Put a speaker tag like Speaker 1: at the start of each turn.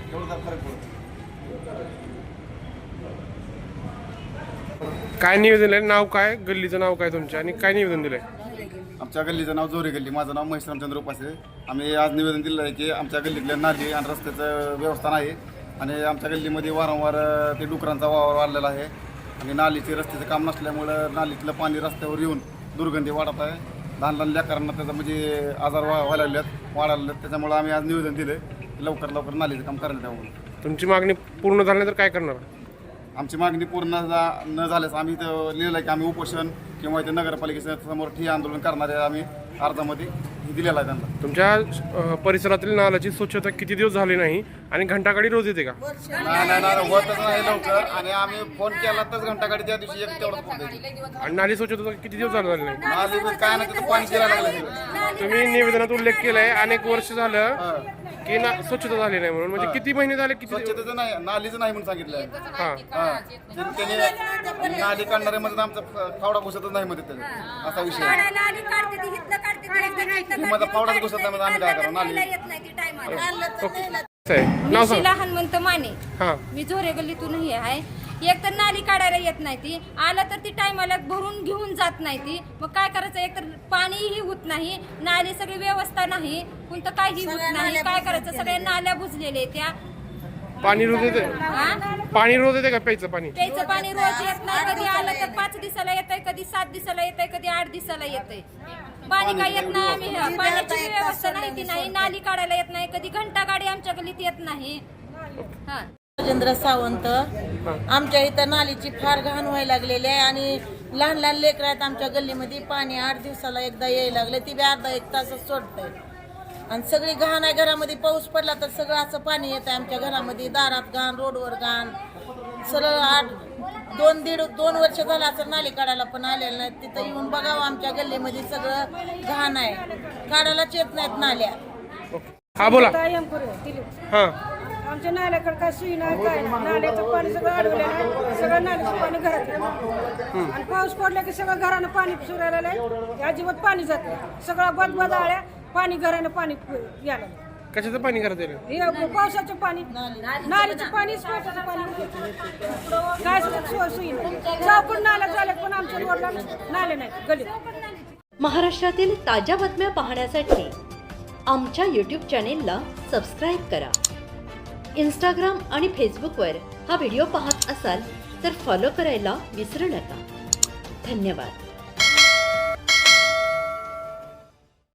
Speaker 1: एवढा फरक पडतो.
Speaker 2: काय निवेदन दिलंय? नाव काय, गल्लीचं नाव काय तुमच्या, आणि काय निवेदन दिलंय?
Speaker 1: आमच्या गल्लीचं नाव जोरे गल्ली, माझं नाव महेश रामचंद्र उपासे. आम्ही आज निवेदन दिलं आहे की आमच्या गल्लीतल्या नाली आणि रस्त्याचं व्यवस्था नाही आणि आमच्या गल्लीमध्ये वारंवार ते डुकरांचा वावर वाढलेला आहे आणि नालीचे रस्त्याचं काम नसल्यामुळं नालीतलं पाणी रस्त्यावर येऊन दुर्गंधी वाढत आहे. लहान लहान लेकरांना त्याचा म्हणजे आजार वाढायला लागलेत. त्याच्यामुळे आम्ही आज निवेदन दिलं लवकर नालीचं काम करण्यात यावं.
Speaker 2: तुमची मागणी पूर्ण झाल्यानंतर काय करणार?
Speaker 1: आमची मागणी पूर्ण न झाल्यास आम्ही इथं लिहिलं आहे की आम्ही उपोषण किंवा इथे नगरपालिकेच्या समोर ठिय्या आंदोलन करणारे आम्ही अर्जामध्ये दिलेला आहे त्यांना.
Speaker 2: तुमच्या परिसरातील नाल्याची स्वच्छता किती दिवस झाली नाही आणि घंटागाडी रोज येते का?
Speaker 1: नाही होतच नाही लवकर आणि आम्ही फोन केला तर घंटागाडी त्या दिवशी एक तेवढं फोन द्यायची.
Speaker 2: आणि नाली स्वच्छता किती दिवस झाली नाही?
Speaker 1: नाली काय नाही तिथं पाणी शिरायला लागलं.
Speaker 2: तुम्ही निवेदनात उल्लेख केलाय अनेक वर्ष झालं की स्वच्छता झाली नाही म्हणून, म्हणजे किती महिने झाले? किती
Speaker 1: स्वच्छतेचं नाही, नालीचं नाही म्हणून सांगितलं. त्यांनी नाली काढणारे मध्ये आमचा फावडा घुसतच नाही मध्ये त्याचा असा विषय. माझा फावडाच घुसत नाही मध्ये आम्ही काय करू? नाली
Speaker 2: नाव सांग.
Speaker 3: हनुमंत माने.
Speaker 2: हा,
Speaker 3: मी झोरे गल्लीतूनही आहे. एक तर नाली काढायला येत नाही ती, आला तर ती टायमाला भरून घेऊन जात नाही ती. मग काय करायचं? एक तर पाणीही होत नाही, नाली सगळी व्यवस्था नाही, कोणतं काही होत नाही. काय करायचं? सगळ्या नाल्या बुजलेल्या त्या.
Speaker 2: पाणी रोज येते? पाणी रोज येते का प्यायचं पाणी?
Speaker 3: प्यायचं पाणी रोज येत नाही. कधी आलं तर 5 दिवसाला येतंय, कधी 7 दिवसाला येतंय, कधी 8 दिवसाला येतंय. पाणी काय येत नाही. आम्ही पाण्याची व्यवस्था नाही की नाही. नाली काढायला येत नाही. कधी घंटा गाडी आमच्या गल्लीत येत नाही. हा,
Speaker 4: राजेंद्र सावंत. आमच्या इथं नालीची फार घाण व्हायला लागलेली आहे आणि लहान लहान लेकरं आहेत आमच्या गल्लीमध्ये. पाणी 8 दिवसाला एकदा यायला लागलं, ती बी अर्धा 1 तासच सोडतंय आणि सगळी घाण आहे घरामध्ये. पाऊस पडला तर सगळं असं पाणी येतं आमच्या घरामध्ये. दारात घाण, रोडवर घाण. सरळ 2 वर्ष झालं असं नाली काढायला पण आलेलं नाही. तिथं येऊन बघावं आमच्या गल्लीमध्ये सगळं घाण आहे, काढायलाच येत नाहीत नाल्या.
Speaker 2: हा बोला. हा,
Speaker 5: आमच्या नाल्याकडे काय सुई नाही, काय नाही. नाल्याचं पाणी सगळं अडवलं नाही, सगळं नाल्याचं पाणी घरात येतं. आणि पाऊस पडला की सगळं घरानं पाणी सुरायला लागलं, अजिबात पाणी जात नाही. सगळं बदबद आळ्या, पाणी घरानं पाणी यायला.
Speaker 2: कशाचं पाणी करता येईल?
Speaker 5: हे पावसाचं पाणी, नालीचं पाणी, स्पेटाचं पाणी, काय सुई नाही. चौकून नाल्या झाल्या पण आमच्या रोडला नाले नाही गलीत.
Speaker 6: महाराष्ट्रातील ताज्या बातम्या पाहण्यासाठी आमच्या यूट्यूब चॅनेलला सबस्क्राईब करा. इंस्टाग्राम आणि फेसबुकवर हा व्हिडिओ पाहत असाल तर फॉलो करायला विसरू नका. धन्यवाद.